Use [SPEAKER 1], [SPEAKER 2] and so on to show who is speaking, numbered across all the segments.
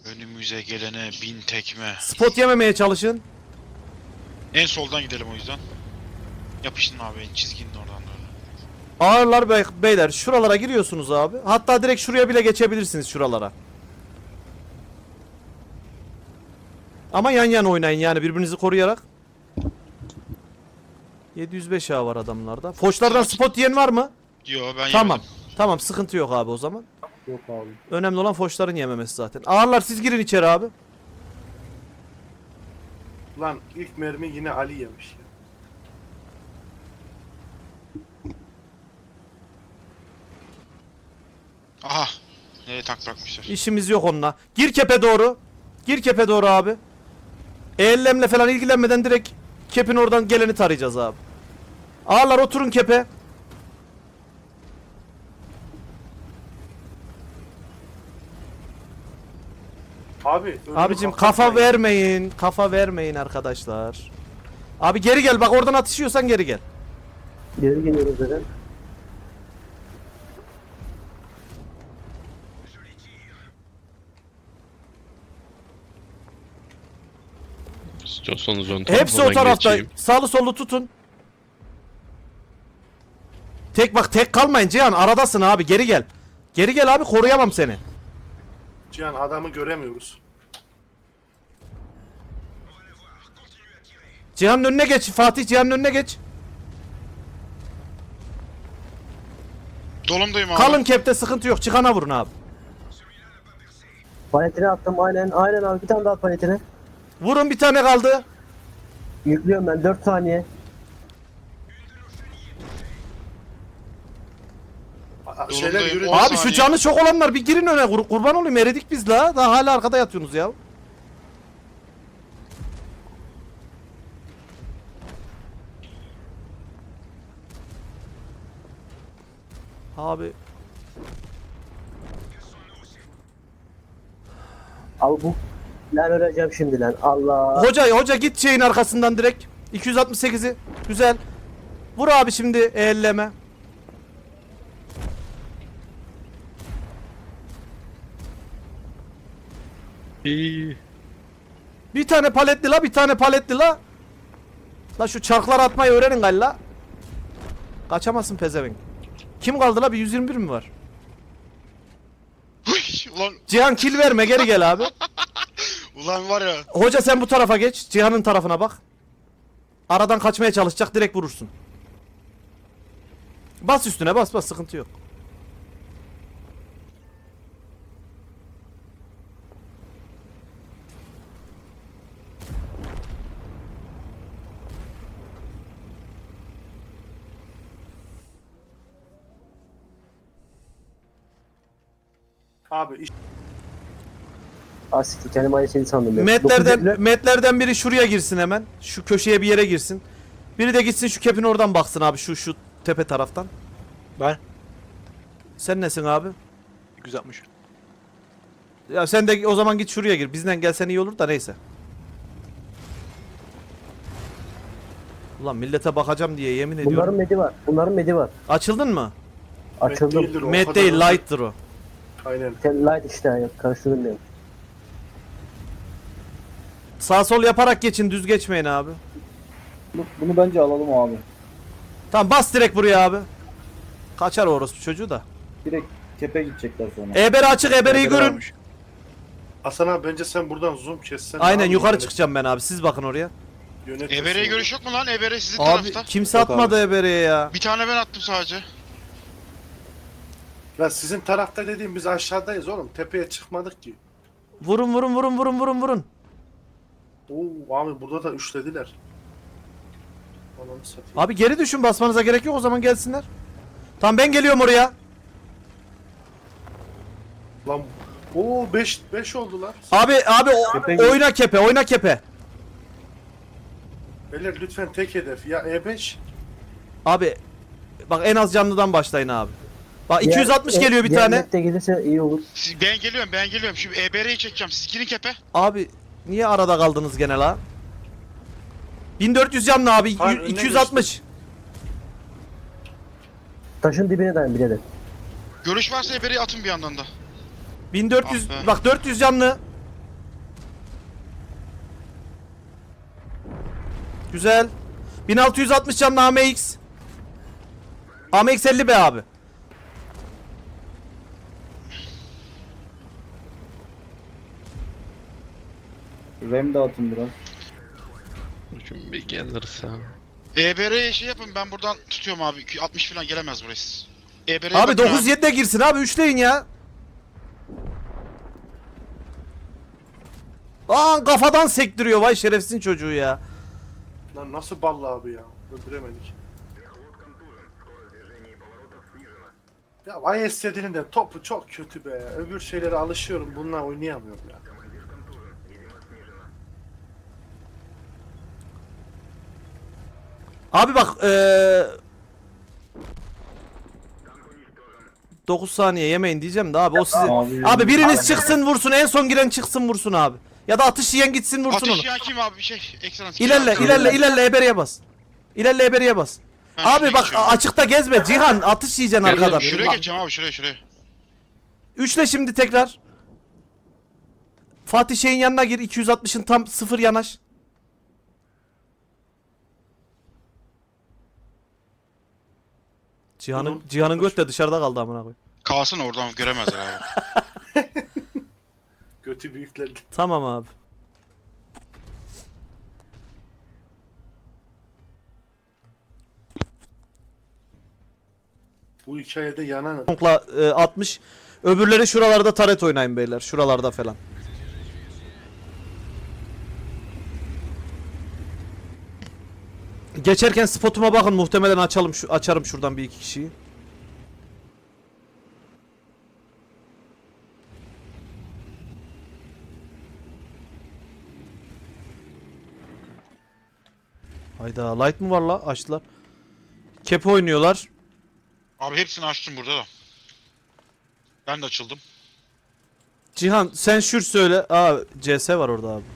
[SPEAKER 1] Önümüze gelene 1000 tekme.
[SPEAKER 2] Spot yememeye çalışın.
[SPEAKER 1] En soldan gidelim o yüzden. Yapıştın abi çizginin oradan doğru.
[SPEAKER 2] Ağırlar beyler şuralara giriyorsunuz abi. Hatta direkt şuraya bile geçebilirsiniz şuralara. Ama yan yana oynayın yani birbirinizi koruyarak. 705 A var adamlarda. Foçlardan spot yiyen var mı?
[SPEAKER 1] Yo ben
[SPEAKER 2] Tamam.
[SPEAKER 1] yemedim.
[SPEAKER 2] Tamam sıkıntı yok abi o zaman.
[SPEAKER 3] Yok abi.
[SPEAKER 2] Önemli olan foçların yememesi zaten. Ağırlar siz girin içeri abi.
[SPEAKER 3] Lan ilk mermi yine Ali yemiş ya.
[SPEAKER 1] Aha. Nereye tank bırakmışlar?
[SPEAKER 2] İşimiz yok onunla. Gir kepe doğru. Gir kepe doğru abi. Ellemle falan ilgilenmeden direkt kepin oradan geleni tarayacağız abi. Ağırlar oturun kepe.
[SPEAKER 3] Abi önümü
[SPEAKER 2] Abicim
[SPEAKER 3] kapatmayın.
[SPEAKER 2] kafa vermeyin. Kafa vermeyin arkadaşlar. Abi geri gel bak oradan atışıyorsan geri gel.
[SPEAKER 4] Geri geliyoruz zaten.
[SPEAKER 5] İstiyorsanız ön
[SPEAKER 2] Hepsi o
[SPEAKER 5] tarafından
[SPEAKER 2] tarafta.
[SPEAKER 5] geçeyim.
[SPEAKER 2] Sağlı sollu tutun. Tek kalmayın Cihan aradasın abi geri gel. Geri gel abi koruyamam seni.
[SPEAKER 3] Cihan adamı göremiyoruz.
[SPEAKER 2] Cihan'ın önüne geç Fatih Cihan'ın önüne geç.
[SPEAKER 1] Dolumdayım abi.
[SPEAKER 2] Kalın kepte sıkıntı yok çıkana vurun abi.
[SPEAKER 4] Paletine attım aynen abi bir tane daha paletine.
[SPEAKER 2] Vurun bir tane kaldı.
[SPEAKER 4] Yüklüyorum ben 4 saniye.
[SPEAKER 3] Şeyler
[SPEAKER 1] Yolundayım.
[SPEAKER 3] yürü.
[SPEAKER 1] 10
[SPEAKER 2] Abi şu
[SPEAKER 1] saniye.
[SPEAKER 2] canı çok olanlar bir girin öne kurban olayım eridik biz la. Daha hala arkada yatıyorsunuz ya. Abi
[SPEAKER 4] Abi bu lan öleceğim şimdi lan Allah.
[SPEAKER 2] hoca git şeyin arkasından direkt 268'i güzel. Vur abi şimdi elleme.
[SPEAKER 5] İyi.
[SPEAKER 2] Bir tane paletli la bir tane paletli la. La şu çarklar atmayı öğrenin galiba. Kaçamazsın pezevenk. Kim kaldı la bir 121 mi var?
[SPEAKER 1] Ulan,
[SPEAKER 2] Cihan kill verme geri gel abi.
[SPEAKER 1] ulan var ya.
[SPEAKER 2] Hoca sen bu tarafa geç. Cihan'ın tarafına bak. Aradan kaçmaya çalışacak direkt vurursun. Bas üstüne bas sıkıntı yok.
[SPEAKER 3] Abi iş...
[SPEAKER 4] Asikti kendim aynı şeyi sandım ya. Dokuz elli.
[SPEAKER 2] Metlerden biri şuraya girsin hemen. Şu köşeye bir yere girsin. Biri de gitsin şu kepin oradan baksın abi şu tepe taraftan.
[SPEAKER 6] Ben
[SPEAKER 2] Sen nesin abi?
[SPEAKER 6] 260.
[SPEAKER 2] Ya sen de o zaman git şuraya gir. Bizden gelsen iyi olur da neyse. Ulan millete bakacağım diye yemin ediyorum.
[SPEAKER 4] Bunların medi var.
[SPEAKER 2] Açıldın mı?
[SPEAKER 4] Açıldım.
[SPEAKER 3] değildir o, o
[SPEAKER 2] Med
[SPEAKER 3] kadar
[SPEAKER 2] değil
[SPEAKER 3] hızlı.
[SPEAKER 2] light'tır o.
[SPEAKER 3] Aynen.
[SPEAKER 4] Sen light işte yani karıştırdım benim.
[SPEAKER 2] Sağ sol yaparak geçin düz geçmeyin abi.
[SPEAKER 7] Bunu bence alalım abi.
[SPEAKER 2] Tamam bas direkt buraya abi. Kaçar orospu çocuğu da.
[SPEAKER 7] Direkt kepe gidecekler sonra.
[SPEAKER 2] Eberi açık eberiyi görün.
[SPEAKER 3] Hasan abi bence sen buradan zoom kessen.
[SPEAKER 2] Aynen
[SPEAKER 3] abi,
[SPEAKER 2] yukarı
[SPEAKER 3] yönet-
[SPEAKER 2] çıkacağım ben abi siz bakın oraya.
[SPEAKER 3] yönetirsin
[SPEAKER 1] Ebere'ye
[SPEAKER 3] onu.
[SPEAKER 1] görüş yok mu lan? Ebere sizin
[SPEAKER 2] Abi
[SPEAKER 1] tarafta.
[SPEAKER 2] kimse
[SPEAKER 7] Yok
[SPEAKER 2] atmadı eberiye ya.
[SPEAKER 1] Bir tane ben attım sadece.
[SPEAKER 3] Lan sizin tarafta dediğim biz aşağıdayız oğlum. Tepeye çıkmadık ki.
[SPEAKER 2] Vurun.
[SPEAKER 3] Oo abi burada da üçlediler. Ananı satayım.
[SPEAKER 2] Abi geri düşün basmanıza gerek yok o zaman gelsinler. Tamam ben geliyorum oraya.
[SPEAKER 3] Lan oo 5 oldular.
[SPEAKER 2] Abi
[SPEAKER 7] Kepe
[SPEAKER 2] oyna kepe.
[SPEAKER 3] Beyler lütfen tek hedef. Ya E5.
[SPEAKER 2] Abi bak en az canlıdan başlayın abi. Bak 260
[SPEAKER 4] Diğer-
[SPEAKER 2] geliyor bir
[SPEAKER 4] diğer
[SPEAKER 2] tane.
[SPEAKER 4] net de gelirse iyi olur.
[SPEAKER 1] Ben geliyorum. Şimdi Ebere'yi çekeceğim. Siz girin kepe.
[SPEAKER 2] Abi niye arada kaldınız gene la? 1400 canlı abi
[SPEAKER 3] Hayır, önüne
[SPEAKER 2] 260.
[SPEAKER 4] Taşın dibine dayan birader.
[SPEAKER 1] Görüş varsa Ebere'yi atın bir yandan da.
[SPEAKER 2] 1400
[SPEAKER 1] Ah be.
[SPEAKER 2] bak 400 canlı. Güzel. 1660 canlı AMX. AMX 50 be abi.
[SPEAKER 7] Rem de atın biraz.
[SPEAKER 5] Bugün bir gelirse.
[SPEAKER 1] EBR'ye şey yapın, ben buradan tutuyorum abi. 60 falan gelemez burası. EBR'ye
[SPEAKER 2] Abi
[SPEAKER 1] bakın
[SPEAKER 2] 9-7'de girsin abi. Üçleyin ya. Aa kafadan sektiriyor vay şerefsizin çocuğu ya.
[SPEAKER 3] Lan nasıl ballı abi ya? Öldüremedik. Ya vay istediğinin de topu çok kötü be. Öbür şeylere alışıyorum. Bununla oynayamıyorum ya.
[SPEAKER 2] Abi bak 9 saniye yemeyin diyeceğim de abi o sizi. Abi biriniz çıksın vursun, en son giren çıksın vursun abi. Ya da atış yiyen gitsin vursun onu.
[SPEAKER 1] Atış yiyen kim abi? Bir şey. Excellence.
[SPEAKER 2] İlerle eberiye bas. İlerle eberiye bas. Abi bak açıkta gezme Cihan, atış yiyeceksin arkadan.
[SPEAKER 1] Şuraya geçeceğim abi, şuraya.
[SPEAKER 2] Üçle şimdi tekrar. Fatih şeyin yanına gir, 260'ın tam 0 yanaş. Cihan'ın göt de dışarıda kaldı amına koy.
[SPEAKER 1] Kalsın, oradan göremezler abi.
[SPEAKER 3] Götü büyüklerdi.
[SPEAKER 2] Tamam abi.
[SPEAKER 3] Bu hikayede yanan
[SPEAKER 2] Tonkla 60. Öbürleri şuralarda taret oynayın beyler. Şuralarda falan. Geçerken spotuma bakın, muhtemelen açarım şuradan bir iki kişiyi. Hayda, light mı var la? Açtılar. Kepe oynuyorlar.
[SPEAKER 1] Abi hepsini açtım burada da. Ben de açıldım.
[SPEAKER 2] Cihan sen şur söyle. Aa CS var orada abi.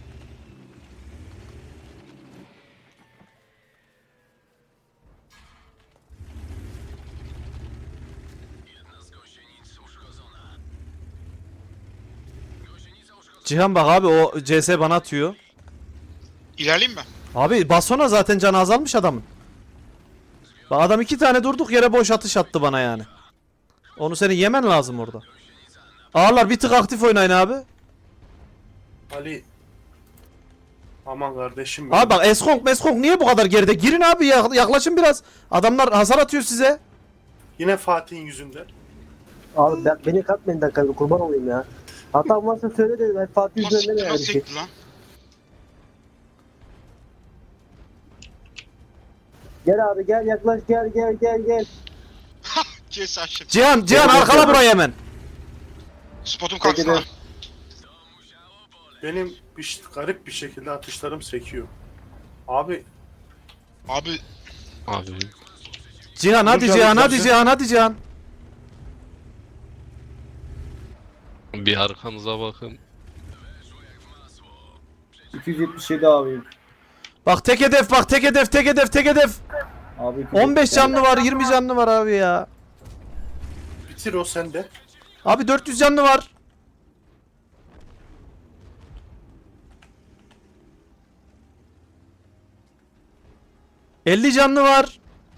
[SPEAKER 2] Cihan bak abi, o CS bana atıyor.
[SPEAKER 1] İlerleyeyim mi?
[SPEAKER 2] Abi basona zaten canı azalmış adamın. Bak adam 2 tane durduk yere boş atış attı bana yani. Onu senin yemen lazım orada. Ağırlar bir tık aktif oynayın abi.
[SPEAKER 3] Ali. Aman kardeşim benim.
[SPEAKER 2] Abi bak Eskong niye bu kadar geride? Girin abi, yaklaşın biraz. Adamlar hasar atıyor size.
[SPEAKER 3] Yine Fatih'in yüzünden.
[SPEAKER 4] Abi beni katmayın dakika, kurban olayım ya. Hatam varsa söyle de ben Fatih
[SPEAKER 1] Nasıl
[SPEAKER 4] üzerinde
[SPEAKER 1] siktir,
[SPEAKER 4] yani
[SPEAKER 1] nasıl
[SPEAKER 4] bir şey.
[SPEAKER 1] sekti lan?
[SPEAKER 4] Gel abi gel, yaklaş, gel.
[SPEAKER 1] Kes açtım.
[SPEAKER 2] Cihan arkala burayı hemen.
[SPEAKER 1] Spotum kalksın
[SPEAKER 4] Peki
[SPEAKER 1] ha.
[SPEAKER 3] Benim garip bir şekilde atışlarım sekiyor. Abi
[SPEAKER 1] Abi
[SPEAKER 5] Abi.
[SPEAKER 2] Cihan hadi
[SPEAKER 3] Dur,
[SPEAKER 2] Cihan,
[SPEAKER 3] dur,
[SPEAKER 2] hadi
[SPEAKER 3] dur.
[SPEAKER 2] Cihan, hadi Cihan.
[SPEAKER 5] Bir arkanıza bakın.
[SPEAKER 7] 277 abi.
[SPEAKER 2] Bak tek hedef, tek hedef.
[SPEAKER 7] Abi
[SPEAKER 2] 15 canlı var, 20 canlı var abi ya.
[SPEAKER 3] bitir o sende.
[SPEAKER 2] Abi 400 canlı var. ...50 canlı var.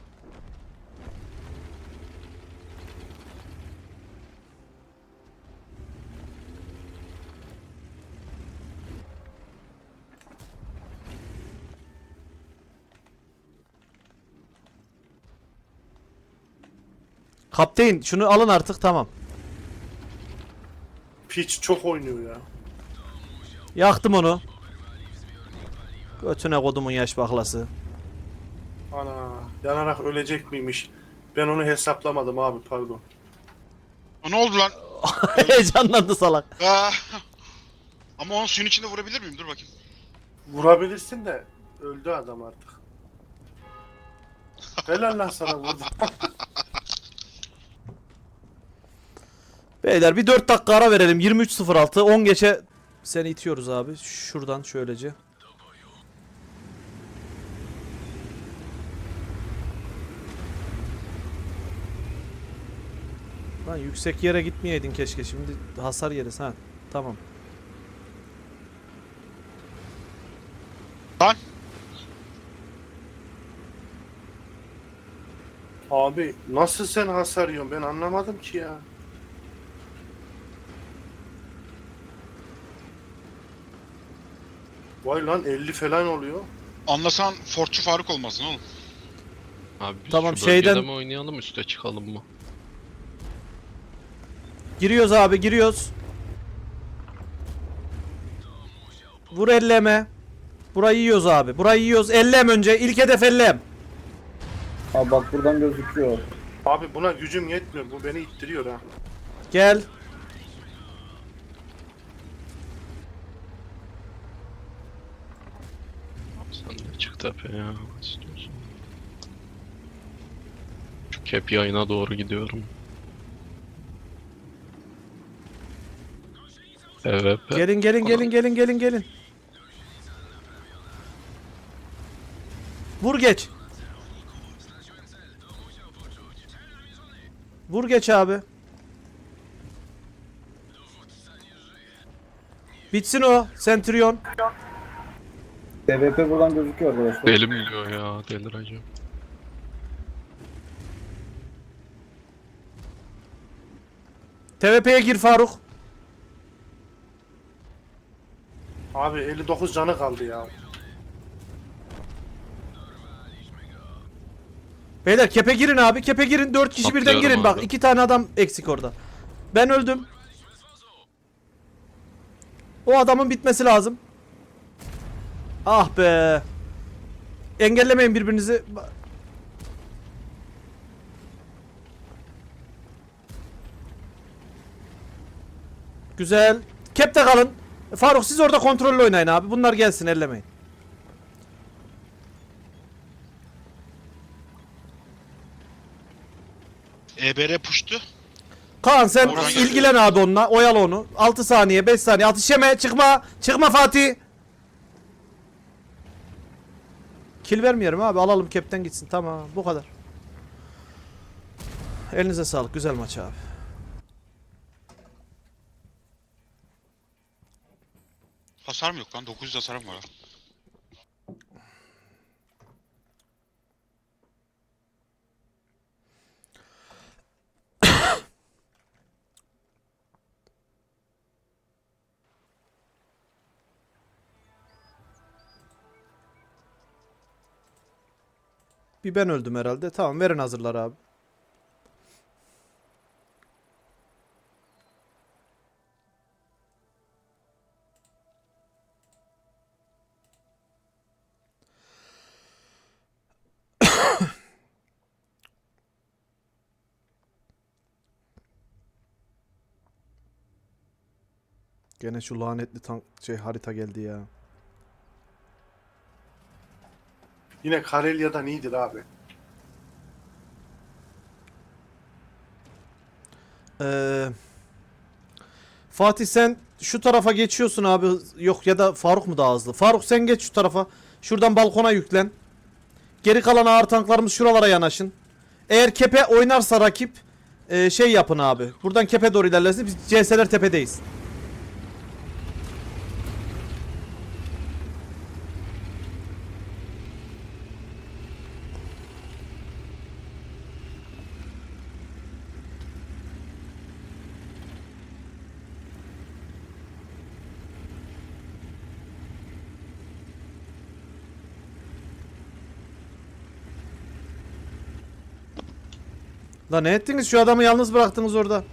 [SPEAKER 2] Kapteyn şunu alın artık, tamam.
[SPEAKER 3] Piç çok oynuyor ya.
[SPEAKER 2] Yaktım onu. Götüne kodumun yaş baklası.
[SPEAKER 3] Ana yanarak ölecek miymiş? Ben onu hesaplamadım abi, pardon.
[SPEAKER 1] ne oldu lan?
[SPEAKER 2] Heyecanlandı salak.
[SPEAKER 1] Aa. Ama onu suyun içinde vurabilir miyim? Dur bakayım.
[SPEAKER 3] Vurabilirsin de öldü adam artık. Helal lan sana vurdu.
[SPEAKER 2] Beyler bir 4 dakika ara verelim. 23.06 10 geçe seni itiyoruz abi. Şuradan şöylece. Lan yüksek yere gitmeyeydin keşke. Şimdi hasar yeriz ha. Tamam.
[SPEAKER 1] Lan.
[SPEAKER 3] Abi nasıl sen hasar yiyorsun ben anlamadım ki ya. Vay lan 50 falan oluyor.
[SPEAKER 1] Anlasan Fortçu Faruk olmasın oğlum.
[SPEAKER 5] Abi biz
[SPEAKER 2] Tamam,
[SPEAKER 5] şu bölgede
[SPEAKER 2] şeyden-
[SPEAKER 5] mi oynayalım, üste çıkalım mı?
[SPEAKER 2] Giriyoruz abi, giriyoruz. Vur elleme. Burayı yiyoruz abi. Burayı yiyoruz. Ellem önce. İlk hedef ellem.
[SPEAKER 7] Abi bak buradan gözüküyor.
[SPEAKER 3] Abi buna gücüm yetmiyor. Bu beni ittiriyor ha.
[SPEAKER 2] Gel.
[SPEAKER 5] Sen de çık tepeye ya. İstiyorsan. Şu kep yayına doğru gidiyorum. Evet.
[SPEAKER 2] Gelin gelin gelin gelin gelin gelin. Vur geç. Vur geç abi. Bitsin o Centurion.
[SPEAKER 7] TVP buradan gözüküyor arkadaşlar.
[SPEAKER 5] Deli mi diyor ya, delireceğim.
[SPEAKER 2] TVP'ye gir Faruk.
[SPEAKER 3] Abi 59 canı kaldı ya.
[SPEAKER 2] Beyler kepe girin abi. Kepe girin. 4 kişi birden
[SPEAKER 5] Atlıyorum
[SPEAKER 2] girin. Bak
[SPEAKER 5] abi.
[SPEAKER 2] 2 tane adam eksik orada. Ben öldüm. O adamın bitmesi lazım. Ah be. Engellemeyin birbirinizi. Güzel. Kep'te kalın. Faruk siz orada kontrollü oynayın abi. Bunlar gelsin, ellemeyin.
[SPEAKER 1] EBR puştu.
[SPEAKER 2] Kaan sen
[SPEAKER 1] Oradan
[SPEAKER 2] ilgilen abi onunla. Oyala onu. 6 saniye, 5 saniye. Atış yeme. Çıkma. Çıkma Fatih. Kill vermiyorum abi. Alalım, Kep'ten gitsin. Tamam. Bu kadar. Elinize sağlık. Güzel maç abi.
[SPEAKER 1] Hasarım yok lan. 900 hasarım var.
[SPEAKER 2] Bir ben öldüm herhalde. Tamam, verin hazırlar abi. Gene şu lanetli harita geldi ya.
[SPEAKER 3] Yine Karelya'dan iyidir abi.
[SPEAKER 2] Ee, Fatih sen şu tarafa geçiyorsun abi. Yok, ya da Faruk mu daha hızlı? Faruk sen geç şu tarafa. Şuradan balkona yüklen. Geri kalan ağır tanklarımız şuralara yanaşın. Eğer kepe oynarsa rakip şey yapın abi. Buradan kepe doğru ilerlesin. Biz CS'ler tepedeyiz. Lan ne ettiniz? Şu adamı yalnız bıraktınız orada.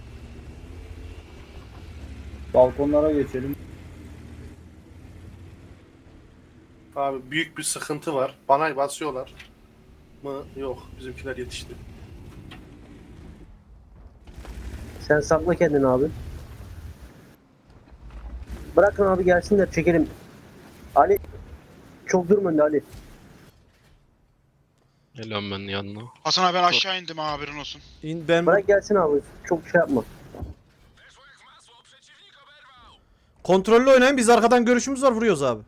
[SPEAKER 7] Balkonlara geçelim.
[SPEAKER 3] Abi büyük bir sıkıntı var. Bana basıyorlar mı? Yok. Bizimkiler yetişti.
[SPEAKER 4] Sen sakla kendini abi. Bırakın abi gelsinler, çekelim. Ali çok durma önde Ali.
[SPEAKER 5] Geliyorum ben yanına.
[SPEAKER 1] Hasan abi ben aşağı indim ha, haberin olsun.
[SPEAKER 2] Ben
[SPEAKER 4] Bırak gelsin abi. Çok şey yapma.
[SPEAKER 2] kontrollü oynayın. Biz arkadan görüşümüz var. Vuruyoruz abi.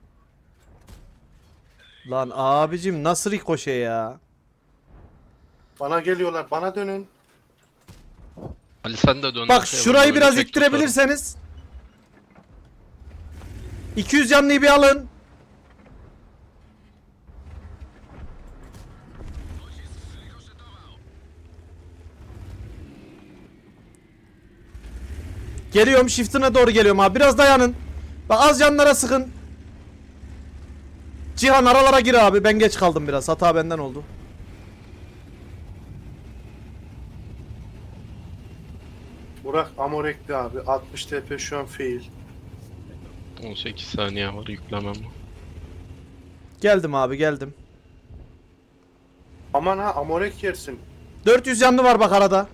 [SPEAKER 2] Lan abicim nasıl rikoşe ya?
[SPEAKER 3] Bana geliyorlar. Bana dönün.
[SPEAKER 5] Ali sen de dön.
[SPEAKER 2] Bak
[SPEAKER 5] arkaya,
[SPEAKER 2] şurayı
[SPEAKER 5] ben
[SPEAKER 2] biraz
[SPEAKER 5] böyle tek tutarım.
[SPEAKER 2] ittirebilirseniz. 200 canlıyı bir alın. Geliyorum, shift'ine doğru geliyorum abi. Biraz dayanın. Bak az canlara sıkın. Cihan aralara gir abi. Ben geç kaldım biraz. Hata benden oldu.
[SPEAKER 3] Burak Amorek'ti abi. 60 TP şu an fail.
[SPEAKER 5] 18 saniye var yüklemem.
[SPEAKER 2] Geldim abi, geldim.
[SPEAKER 3] Aman ha Amorek yersin.
[SPEAKER 2] 400 canlı var bak arada.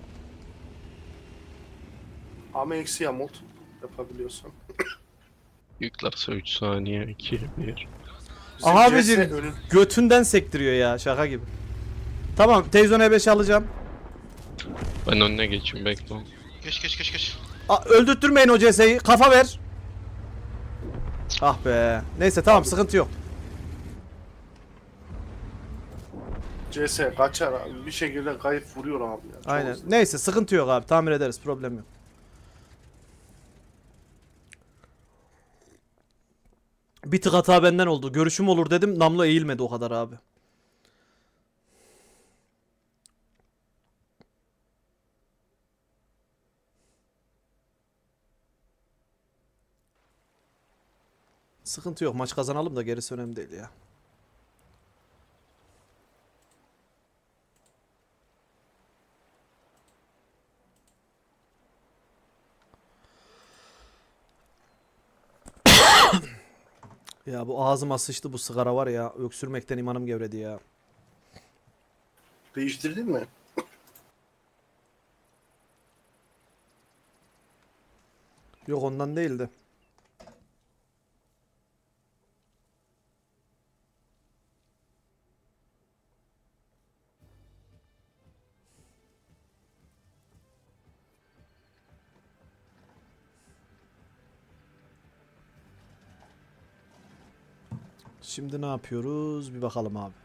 [SPEAKER 3] Ama eksi yamult yapabiliyorsan.
[SPEAKER 5] Yüklerse 3 saniye 2 1.
[SPEAKER 3] Bizim
[SPEAKER 2] Aha
[SPEAKER 3] CS
[SPEAKER 2] abicim.
[SPEAKER 3] önün.
[SPEAKER 2] Götünden sektiriyor ya, şaka gibi. Tamam, Teyzon E5 alacağım.
[SPEAKER 5] Ben önüne geçeyim bekle.
[SPEAKER 1] Geç geç geç geç.
[SPEAKER 2] Öldürtmeyin o CS'yi. Kafa ver. Ah be. Neyse tamam, sıkıntı yok.
[SPEAKER 3] CS kaçar abi. Bir şekilde kayıp vuruyor abi ya. Çok
[SPEAKER 2] Aynen.
[SPEAKER 3] hızlı.
[SPEAKER 2] Neyse sıkıntı yok abi. Tamir ederiz. Problem yok. Bir tık hata benden oldu. Görüşüm olur dedim. Namlu eğilmedi o kadar abi. Sıkıntı yok. Maç kazanalım da gerisi önemli değil ya. Ya bu ağzıma sıçtı bu sigara var ya. Öksürmekten imanım gevredi ya.
[SPEAKER 3] Değiştirdin mi?
[SPEAKER 2] Yok ondan değildi. Şimdi ne yapıyoruz? Bir bakalım abi.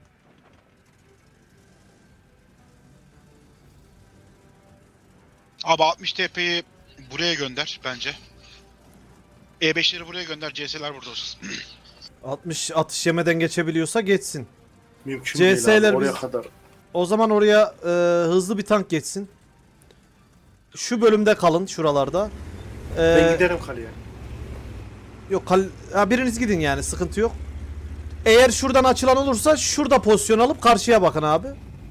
[SPEAKER 1] Abi 60 TP'yi buraya gönder bence. E5'leri buraya gönder. CS'ler burada olsun.
[SPEAKER 2] 60 atış yemeden geçebiliyorsa geçsin.
[SPEAKER 3] Mümkün değil
[SPEAKER 2] CS'ler
[SPEAKER 3] abi oraya
[SPEAKER 2] biz-
[SPEAKER 3] kadar.
[SPEAKER 2] O zaman oraya hızlı bir tank geçsin. Şu bölümde kalın şuralarda.
[SPEAKER 3] Ben giderim kaleye.
[SPEAKER 2] Yok biriniz gidin yani, sıkıntı yok. Eğer şuradan açılan olursa şurada pozisyon alıp karşıya bakın abi.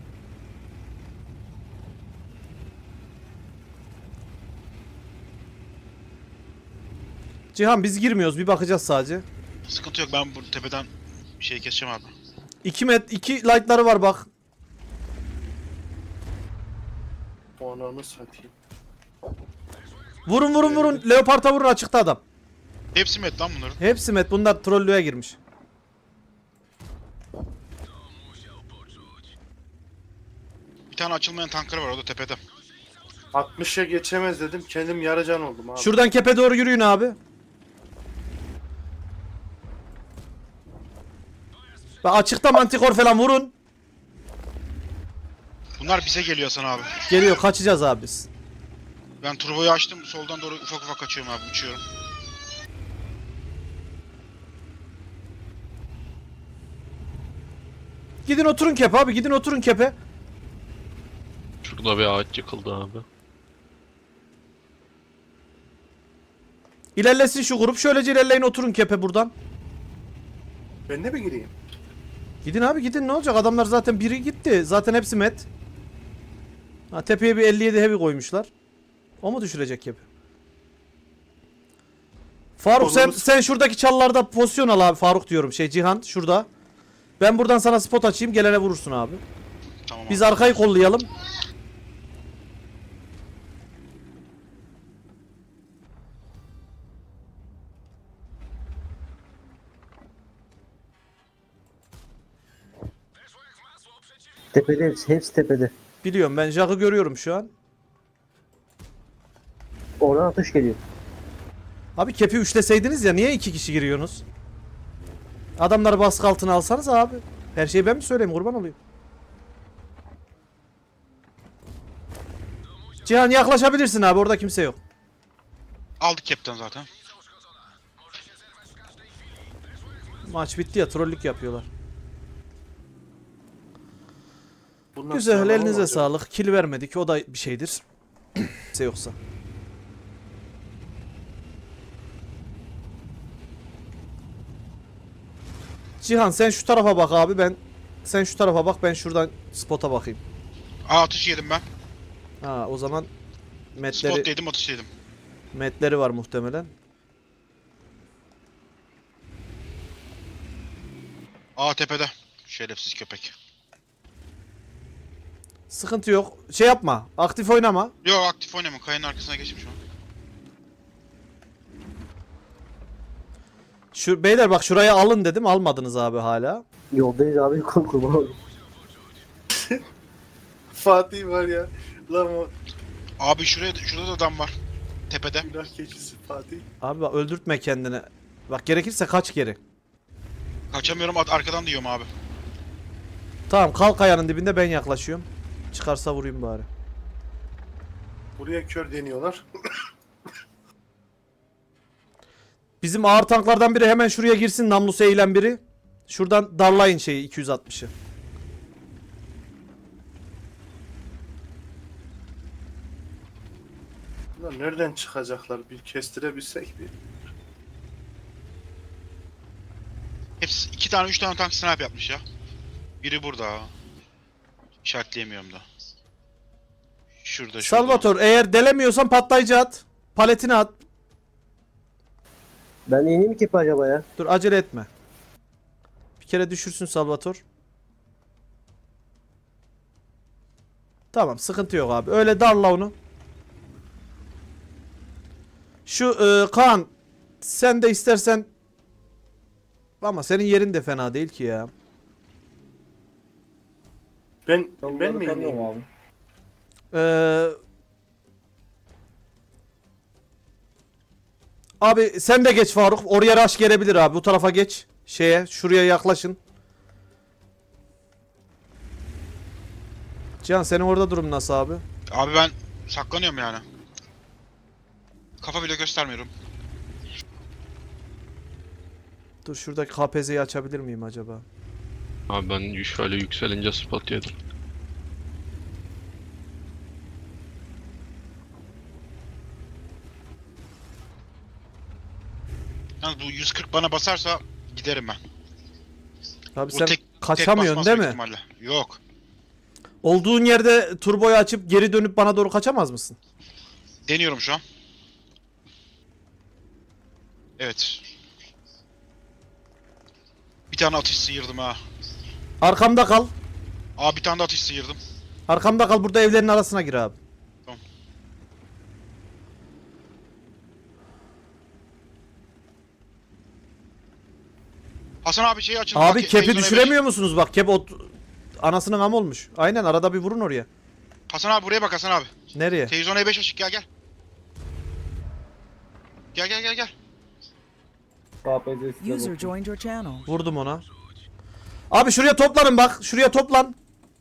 [SPEAKER 2] Cihan biz girmiyoruz, bir bakacağız sadece.
[SPEAKER 1] Sıkıntı yok, ben bu tepeden şey keseceğim abi.
[SPEAKER 2] 2 light'ları var bak.
[SPEAKER 3] O ananı satayım.
[SPEAKER 2] Vurun. Leopard'a vurun, açıkta adam.
[SPEAKER 1] Hepsi met lan bunların.
[SPEAKER 2] Hepsi met, bunlar trollüğe girmiş.
[SPEAKER 1] Bir tane açılmayan tankları var, o da tepede.
[SPEAKER 3] 60'a geçemez dedim. Kendim yarıcan oldum abi.
[SPEAKER 2] Şuradan kepe doğru yürüyün abi. Bak açıkta mantikor falan vurun.
[SPEAKER 1] Bunlar bize geliyor Hasan abi.
[SPEAKER 2] Geliyor, kaçacağız abi biz.
[SPEAKER 1] Ben turboyu açtım, soldan doğru ufak ufak kaçıyorum abi, uçuyorum.
[SPEAKER 2] Gidin oturun kepe abi, gidin oturun kepe.
[SPEAKER 5] Şurada bir ağaç yıkıldı abi.
[SPEAKER 2] İlerlesin şu grup, şöylece ilerleyin, oturun kepe buradan.
[SPEAKER 3] Ben de mi gireyim?
[SPEAKER 2] Gidin abi gidin, ne olacak, adamlar zaten biri gitti. Zaten hepsi met. Ha, tepeye bir 57 heavy koymuşlar. O mu düşürecek kepe? Faruk sen şuradaki çalılarda pozisyon al abi. Faruk diyorum, Cihan şurada. Ben buradan sana spot açayım, gelene vurursun abi.
[SPEAKER 1] Tamam
[SPEAKER 2] Biz
[SPEAKER 1] abi.
[SPEAKER 2] arkayı kollayalım.
[SPEAKER 4] Tepede hepsi tepede.
[SPEAKER 2] Biliyorum, ben Jack'ı görüyorum şu an.
[SPEAKER 4] Oradan atış geliyor.
[SPEAKER 2] Abi kepi üçleseydiniz ya, niye 2 kişi giriyorsunuz? Adamları baskı altına alsanız abi. Her şeyi ben mi söyleyeyim, kurban olayım. Cihan yaklaşabilirsin abi, orada kimse yok.
[SPEAKER 1] Aldık cap'ten zaten.
[SPEAKER 2] Maç bitti ya, trollük yapıyorlar.
[SPEAKER 3] Bundan
[SPEAKER 2] Güzel,
[SPEAKER 3] sonra
[SPEAKER 2] elinize
[SPEAKER 3] olacak.
[SPEAKER 2] sağlık. Kill vermedik, o da bir şeydir. Kimse yoksa. Cihan sen şu tarafa bak abi, sen şu tarafa bak, ben şuradan spota bakayım.
[SPEAKER 1] Atış yedim ben.
[SPEAKER 2] Ha o zaman
[SPEAKER 1] Spot yedim, atış yedim.
[SPEAKER 2] metleri var muhtemelen.
[SPEAKER 1] Tepede. Şerefsiz köpek.
[SPEAKER 2] Sıkıntı yok. Şey yapma. Aktif oynama.
[SPEAKER 1] Yok, aktif oynamıyor. Kayanın arkasına geçmiş o.
[SPEAKER 2] Şu beyler bak, şuraya alın dedim, almadınız abi hala.
[SPEAKER 4] Yoldayız abi kurban olayım.
[SPEAKER 3] Fatih var ya. Lan o
[SPEAKER 1] Abi şurada da adam var. Tepede.
[SPEAKER 3] günah keçisi Fatih.
[SPEAKER 2] Abi bak, öldürtme kendini. Bak gerekirse kaç geri.
[SPEAKER 1] Kaçamıyorum, arkadan diyorum abi.
[SPEAKER 2] Tamam, kalk kayanın dibinde, ben yaklaşıyorum. Çıkarsa vurayım bari.
[SPEAKER 3] Buraya kör deniyorlar.
[SPEAKER 2] Bizim ağır tanklardan biri hemen şuraya girsin, namlusu eğilen biri. Şuradan darlayın şeyi 260'ı.
[SPEAKER 3] Bunlar nereden çıkacaklar? Bir kestirebilsek bir.
[SPEAKER 1] Hepsi 2 tane 3 tane tank snipe yapmış ya. Biri burada. İşaretleyemiyorum da. Şurada.
[SPEAKER 2] Salvatore, eğer delemiyorsan patlayıcı at. Paletini at.
[SPEAKER 4] Ben ineyim ki acaba ya?
[SPEAKER 2] Dur, acele etme. Bir kere düşürsün Salvatore. Tamam, sıkıntı yok abi. Öyle darla onu. Şu Kaan, sen de istersen, ama senin yerin de fena değil ki ya.
[SPEAKER 3] Ben mi
[SPEAKER 7] Tanıyorum
[SPEAKER 3] ineyim?
[SPEAKER 7] abi.
[SPEAKER 2] Ee, Abi sen de geç Faruk. Oraya rush gelebilir abi. Bu tarafa geç. Şuraya yaklaşın. Cihan, senin orada durum nasıl abi?
[SPEAKER 1] Abi ben saklanıyorum yani. Kafa bile göstermiyorum.
[SPEAKER 2] Dur, şuradaki KPZ'yi açabilir miyim acaba?
[SPEAKER 5] Abi ben şöyle yükselince spot yedim.
[SPEAKER 1] Yalnız bu 140 bana basarsa giderim ben.
[SPEAKER 2] Abi
[SPEAKER 1] Bu
[SPEAKER 2] sen
[SPEAKER 1] tek
[SPEAKER 2] kaçamıyorsun
[SPEAKER 1] basmaz
[SPEAKER 2] değil
[SPEAKER 1] büyük
[SPEAKER 2] mi?
[SPEAKER 1] ihtimalle. Yok.
[SPEAKER 2] Olduğun yerde turboyu açıp geri dönüp bana doğru kaçamaz mısın?
[SPEAKER 1] Deniyorum şu an. Evet. Bir tane atış sıyırdım ha.
[SPEAKER 2] Arkamda kal.
[SPEAKER 1] Bir tane de atış sıyırdım.
[SPEAKER 2] Arkamda kal, burada evlerin arasına gir abi.
[SPEAKER 1] Tamam. Hasan abi şeyi açın.
[SPEAKER 2] Abi
[SPEAKER 1] Bak,
[SPEAKER 2] kepi
[SPEAKER 1] Teyzon'a
[SPEAKER 2] düşüremiyor musunuz? Bak kep anasının am olmuş. Aynen, arada bir vurun oraya.
[SPEAKER 1] Hasan abi buraya bak Hasan abi.
[SPEAKER 2] Nereye?
[SPEAKER 1] Televizyon E5 açık, gel. Gel.
[SPEAKER 7] KPC size
[SPEAKER 8] User
[SPEAKER 7] bakın.
[SPEAKER 8] joined your channel.
[SPEAKER 2] Vurdum ona. Abi şuraya toplanın bak. Şuraya toplan.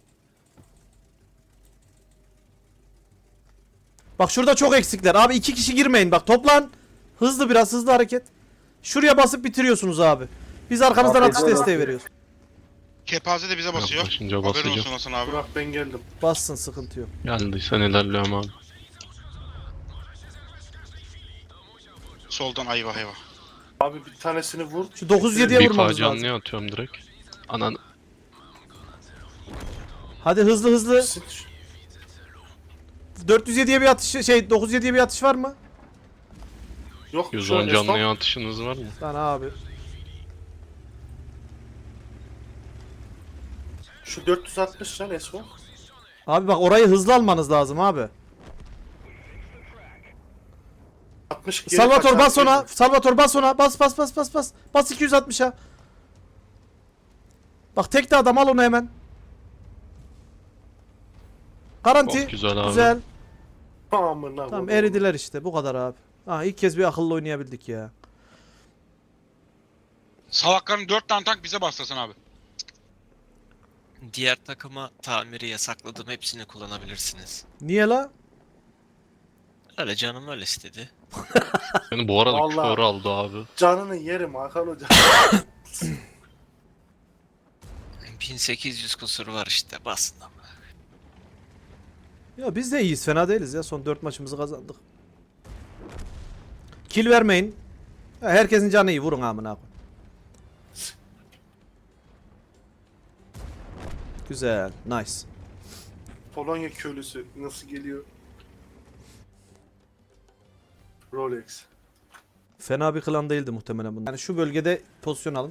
[SPEAKER 2] Bak şurada çok eksikler. Abi 2 kişi girmeyin bak, toplan. Hızlı, biraz hızlı hareket. Şuraya basıp bitiriyorsunuz abi. Biz arkanızdan
[SPEAKER 7] Abi,
[SPEAKER 2] atış
[SPEAKER 7] doğru.
[SPEAKER 2] desteği veriyoruz.
[SPEAKER 1] Kepaze de bize basıyor.
[SPEAKER 5] Yaklaşınca
[SPEAKER 1] Haberin
[SPEAKER 5] basacağım.
[SPEAKER 1] olsun Hasan abi.
[SPEAKER 3] Burak ben geldim.
[SPEAKER 2] Bassın, sıkıntı yok.
[SPEAKER 5] Geldiysen ilerliyorum abi.
[SPEAKER 1] Soldan ayva.
[SPEAKER 3] Abi bir tanesini vur.
[SPEAKER 2] Şu 907'ye
[SPEAKER 5] Bir
[SPEAKER 2] vurmamız
[SPEAKER 5] K
[SPEAKER 2] lazım.
[SPEAKER 5] canlıya atıyorum direkt. Anan
[SPEAKER 2] Hadi hızlı.
[SPEAKER 3] Sıç.
[SPEAKER 2] 407'ye bir atış, 907'ye bir atış var mı?
[SPEAKER 3] Yok şu
[SPEAKER 5] 110
[SPEAKER 3] an
[SPEAKER 5] canlıya atışınız var mı?
[SPEAKER 2] Lan abi.
[SPEAKER 3] Şu 460 can Esma.
[SPEAKER 2] Abi bak, orayı hızlı almanız lazım abi.
[SPEAKER 3] 60 geri
[SPEAKER 2] Salvatore
[SPEAKER 3] kaçar
[SPEAKER 2] bas ona.
[SPEAKER 3] geri.
[SPEAKER 2] Salvatore bas ona. Bas. Bas 260'a. Bak tek de adam, al onu hemen. Garanti.
[SPEAKER 5] Çok güzel abi.
[SPEAKER 2] Güzel.
[SPEAKER 3] Amına
[SPEAKER 2] Tamam,
[SPEAKER 3] koyayım.
[SPEAKER 2] eridiler işte, bu kadar abi. İlk kez bir akıllı oynayabildik ya.
[SPEAKER 1] Salakların 4 tane tank bize bastı Hasan abi.
[SPEAKER 9] Diğer takıma tamiri yasakladım. Hepsini kullanabilirsiniz.
[SPEAKER 2] Niye la?
[SPEAKER 9] Öyle canım öyle istedi.
[SPEAKER 5] Beni bu arada
[SPEAKER 3] Vallahi.
[SPEAKER 5] kör aldı abi.
[SPEAKER 3] Canını yerim Hakan Hoca.
[SPEAKER 9] 1800 kusuru var işte basın ama.
[SPEAKER 2] Ya biz de iyiyiz, fena değiliz ya. Son 4 maçımızı kazandık. Kill vermeyin. Ya herkesin canı iyi, vurun amına koyayım. Güzel. Nice.
[SPEAKER 3] Polonya köylüsü nasıl geliyor? Rolex.
[SPEAKER 2] Fena bir klan değildi muhtemelen bunlar. Yani şu bölgede pozisyon alın.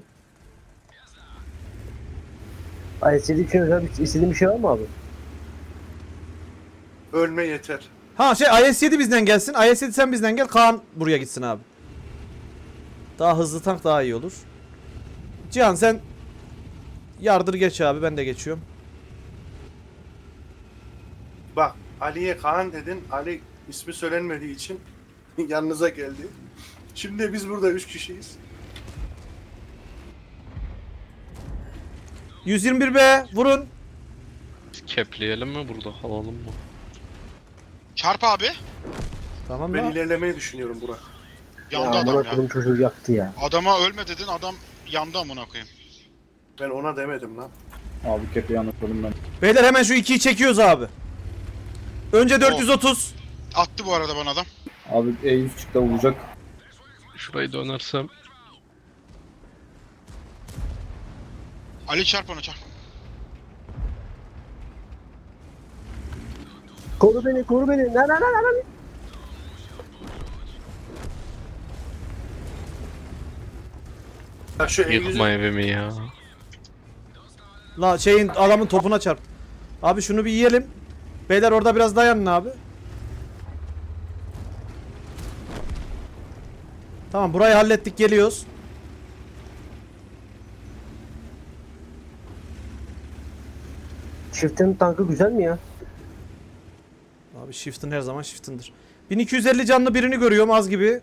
[SPEAKER 4] Ay istediğim bir şey var mı abi?
[SPEAKER 3] Ölme yeter.
[SPEAKER 2] Ha şey IS-7 bizden gelsin. IS-7 sen bizden gel. Kaan buraya gitsin abi. Daha hızlı tank daha iyi olur. Cihan sen yardır geç abi. Ben de geçiyorum.
[SPEAKER 3] Bak Ali'ye Kaan dedin. Ali ismi söylenmediği için yanınıza geldi. Şimdi biz burada 3 kişiyiz.
[SPEAKER 2] 121B vurun.
[SPEAKER 5] Kepleyelim mi burada? Alalım mı?
[SPEAKER 1] Çarp abi.
[SPEAKER 2] Tamam
[SPEAKER 3] Ben
[SPEAKER 2] mı?
[SPEAKER 3] ilerlemeyi düşünüyorum Burak.
[SPEAKER 1] Yandı
[SPEAKER 4] Ya
[SPEAKER 1] adam
[SPEAKER 4] amına
[SPEAKER 1] ya.
[SPEAKER 4] koydum çocuğu yaktı ya.
[SPEAKER 1] Adama ölme dedin, adam yandı amına koyayım.
[SPEAKER 3] Ben ona demedim lan.
[SPEAKER 7] Abi kepeyi anlatalım ben.
[SPEAKER 2] Beyler hemen şu 2'yi çekiyoruz abi. Önce 430.
[SPEAKER 1] Attı bu arada bana adam.
[SPEAKER 7] Abi E100 çıktı vuracak.
[SPEAKER 5] Şurayı dönersem.
[SPEAKER 1] Ali çarp ona çarp.
[SPEAKER 4] Koru beni koru beni. Lan.
[SPEAKER 3] Ya şu
[SPEAKER 5] Yıkma evimi ya.
[SPEAKER 2] La şeyin adamın topuna çarp. Abi şunu bir yiyelim. Beyler orada biraz dayanın abi. Tamam burayı hallettik geliyoruz.
[SPEAKER 4] Shift'in tankı güzel mi ya?
[SPEAKER 2] Abi shift'in her zaman shift'indir. 1250 canlı birini görüyorum az gibi.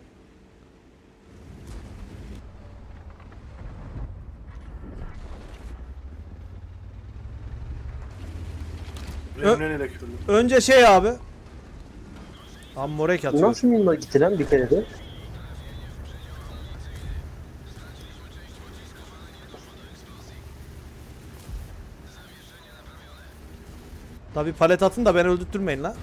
[SPEAKER 3] Remlen'e köylü.
[SPEAKER 2] Önce şey abi. Ammorek
[SPEAKER 4] Bu
[SPEAKER 2] atıyor.
[SPEAKER 4] nasıl mimar gitti lan bir kere de?
[SPEAKER 2] Tabi palet atın da beni öldürtmeyin la.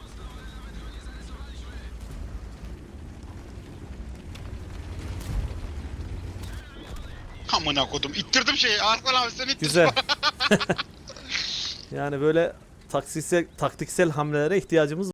[SPEAKER 1] Amına kodum. İttirdim şeyi. Arslan abi sen ittir.
[SPEAKER 2] Güzel. Yani böyle taktiksel hamlelere ihtiyacımız